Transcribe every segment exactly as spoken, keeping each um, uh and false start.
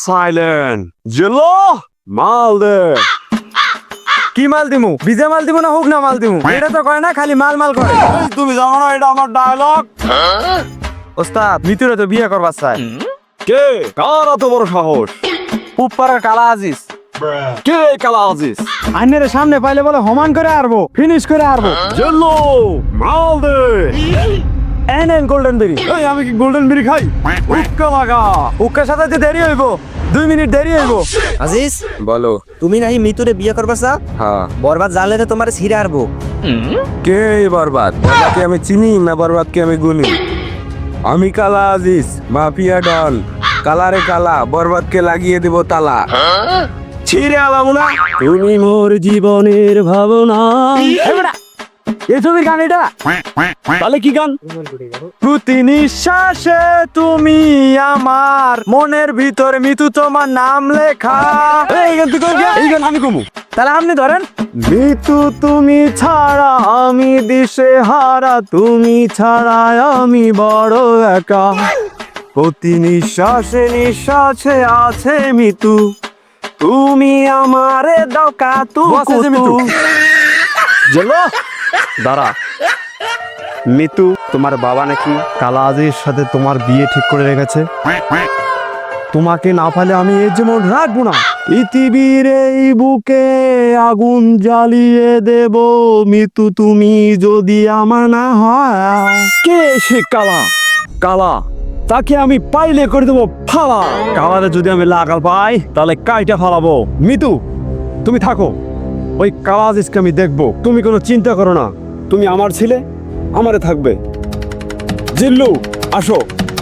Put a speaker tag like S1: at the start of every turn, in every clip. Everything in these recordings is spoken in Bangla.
S1: সাইলেন্ট জেলো মাল দে।
S2: কি মাল দিমু? বিজে মাল দিমু না হুক না মাল দিমু? এটা তো কয় না, খালি মাল মাল করে।
S1: এই তুমি জানো না এটা আমার ডায়লগ?
S2: ওস্তাদ মিতুরে তো বিয়ে করবার চাই।
S1: কে কার এত বড় সাহস?
S2: উপপাড়ার কালা আজিজ।
S1: কে কালা আজিজ?
S2: আইনের সামনে পাইলে বলে হমান করে আরবো, ফিনিশ করে আরবো।
S1: জেলো মাল দে।
S2: N N golden berry.
S1: এই আমি কি গোল্ডেন বিড়ি খাই? উক্কা লাগা।
S2: উক্কার সাথে যে দেরি হইব, দুই মিনিট দেরি হইব।
S3: আজিজ
S2: বলো।
S3: তুমি নাকি মিতুরে বিয়ে করবা চা?
S2: হ্যাঁ।
S3: বরবাদ জানলে তো তোমার ছিঁড়ে আরবো।
S2: কে এই বরবাদ? বরবাদকে আমি চিনি না বরবাদকে আমি গুনি? আমি কালা আজিজ, মাফিয়া ডন। কালারে কালা, বরবাদকে লাগিয়ে দিব তালা।
S1: ছিড়ে আলাম না।
S2: তুমি মোর জীবনের ভাবনা। এই ছবির গান এটা?
S1: তাহলে কি গান?
S2: প্রতি নিঃশ্বাসে তুমি আমার মনের ভিতর মিতু তোমার নাম লেখা।
S1: এই গান তুই কই? এই গান আমি কমু।
S2: তাহলে আপনি ধরেন। মিতু তুমি ছাড়া আমি দিশে হারা, তুমি ছাড়া আমি বড় একা। প্রতি নিঃশ্বাসে নিঃশ্বাসে আছে মিতু, তুমি আমারে দাও কাতু কুতু।
S1: জেলো
S2: দাঁড়া, মিতু তোমার বাবা নাকি কালা আজিজের সাথে তোমার বিয়ে ঠিক করে রেখেছে। তোমাকে না পালে আমি এর যেমন রাখবো না। পৃথিবীর এই বুকে আগুন জ্বালিয়ে দেব মিতু তুমি যদি আমার না হয়।
S1: কে সে কালা? কালা তাকে আমি পাইলে করে দেবো ফালা।
S2: কালারে যদি আমি লাগাল পাই তাহলে কাইটা ফালাবো। মিতু তুমি থাকো, ওই কালা আজিজকে আমি দেখবো। তুমি কোনো চিন্তা করো না,
S1: তুমি আমার ছেলে, আমারে থাকবে। জিল্লু আসো।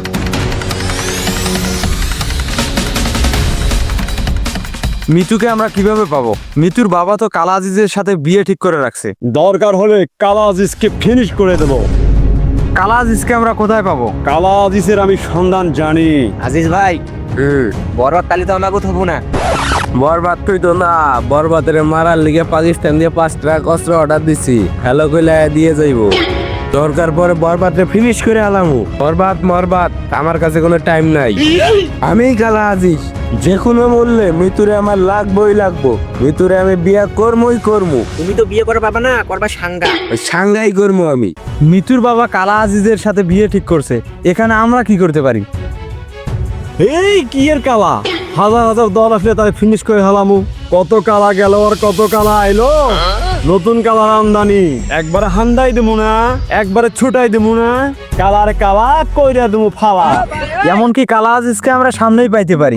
S2: মিতুকে আমরা কিভাবে পাবো? মিতুর বাবা তো কালা আজিজের সাথে বিয়ে ঠিক করে রাখছে।
S1: দরকার হলে কালা আজিজকে ফিনিশ করে দেবো।
S2: কালা আজিজকে আমরা কোথায় পাবো?
S1: কালা আজিজের আমি সন্ধান জানি।
S3: আজিজ ভাই বরবাদ তালি তো আমাকে হবো না।
S2: বরবাদ তুই তো না, বরবাদের মারার লিগে পাকিস্তান দিয়ে পাঁচ ট্রাক অস্ত্র অর্ডার দিছি। হ্যালো কইলা দিয়ে যাইবো। দরকার পরে বরবাদে ফিনিশ করে আলামু। বরবাদ মরবাদ আমার কাছে কোনো টাইম নাই। আমি কালা আজিজ, যে কোনো মূল্যে মৃত্যুরে আমার লাগবই লাগবো। মৃত্যুরে আমি বিয়া করমই করমু।
S3: তুমি তো বিয়ে করা পাবা না, করবা সাঙ্গা।
S2: সাংঘাই করমু আমি। মিতুর বাবা কালা আজিজের সাথে বিয়ে ঠিক করছে, এখানে আমরা কি করতে পারি?
S1: এই কি এর কালা? হাজার হাজার দল আসলে তাই ফিনিশ করে হালামু। কত কালা গেল আর কত কালা আইলো। নতুন কালার আমদানি। একবারে হান্দাই দেবো না, একবারে ছুটাই দেবো না। কালার কালা কইরা দেবো ফালা।
S2: এমনকি কালা আজিজকে আমরা সামনেই পাইতে পারি।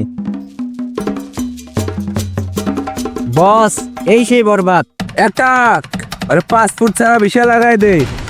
S3: বস এই সেই বরবাদ।
S2: একটা আরে পাঁচ ফুট ছাড়া বিশাল লাগাই দে।